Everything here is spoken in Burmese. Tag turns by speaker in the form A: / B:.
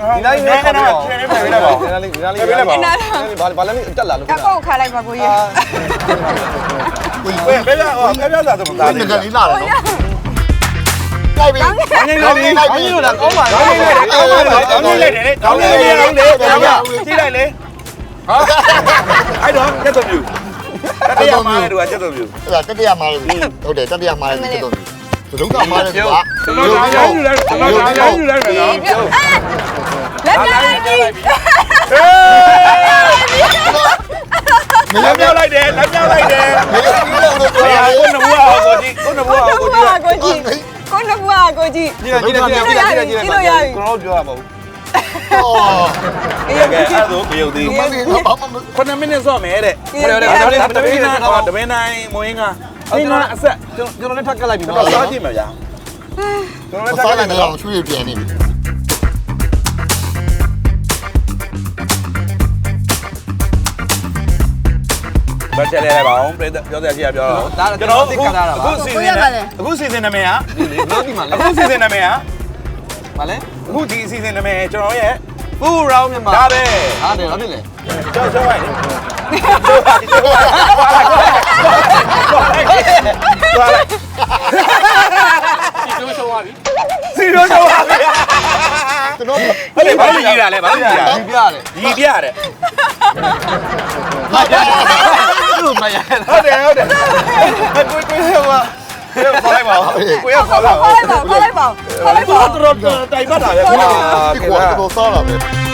A: ဒီလိုက်နဲ့ကတော့ဖြည်းဖြည်းလိုက်ပါဒီလိုက်လိုက်ပါဘာလဲတက်လာလို့
B: ကောက်ခါလိုက်ပါကိုကြီး
A: ဘယ်ပြဟောပြပြစားတော့မသား
C: ငကလေးလာတယ်နော်လိုက်ပြီ
A: ငင်းလို့လိုက်ပြီလို့လားကောင်းပါလားကောင်းလိုက်တယ်ကောင်းလိုက်တယ်ကောင်းလိုက်တယ်ကြည့်လိုက်လေဟာအဲ့တော့ကျက်တော်ပြူတတိယမှားတယ်သူကကျက်တော်ပြူ
C: အဲ့ဒါတတိယမှားလို့ဟုတ်တယ်တတိယမှားလို့တော်ပြီသဒုံကမှားတယ်ကွာ
A: ကျွန်တော်ရိုင်းယူလိုက်ကျွန်တော်ရိုင်းယူလိုက်မယ်နော်
B: လက်ပြလိုက်ပြီ
A: လက်ပြောက်လိုက်တယ်လက်ပြောက်လိုက်တယ်
C: မင်းကြီးလို့တော့ပြောရ
A: ကိုနဘွားကိုကြည့်ကိုနဘွားကိုကြည့်
B: ကိုကြီးကိုနဘွားကိုကြီး
A: ကြည့်ကြည့်ကျွန်တော်ပြောရမှာဘူး
C: အော်
A: အေးကဲအဲ့ဒါကိုပြုတ်သေး
C: မင်းကြီးဘာမှမ
A: 9မိနစ်စော့မယ်တဲ့တပင်းနိုင်မွေးငါအင်းကအဆက်ကျွန်တော်လည်းထပ်ကလိုက်ပြီနော်စားကြည့်မယ်ဗျာကျွန်တော်လည်းထပ်က
C: စား
A: လို
C: နေ
A: က်
C: တော့
A: နော်
C: ချွေးပြန်နေပြီ
A: ဘာချက်လဲပါအောင်ပြောစရာရှိရပြောတော့ကျွန်တော်အခုစီစဉ်နာမည်ဟာအခုစီစဉ်နာမည်ဟာ
D: ဘာလဲ
A: အခုဒီအစီအစဉ်နာမည်ကျွန်တော်ရဲ့
D: ပူရောင်းမြန်မာ
A: ဒါပဲ
D: ဟာတယ်ဟုတ်တယ်လေ
A: ကျောင်းလိုက်စီရိုးရှောင်းပါပြီ
C: ကျွန်တော်
A: ဟုတ်တယ်ဘာလို့ကြီးတာလဲဘာလို့ကြီးတာ
D: ဒီပြရတယ်
A: ရီပြရတယ်
D: သူ့မရ
A: ဟုတ်တယ်ကိုဟိုခေါ်လိုက်ပါကိုရခေါ်လိုက်ပါ
B: ခေါ်လိုက်ပါခေါ်လိုက်ပါခေါ်လိုက်ပါ
A: တော်တိုင်ပတ်တာပဲ
C: ဒီကွာတော့စားလာပဲ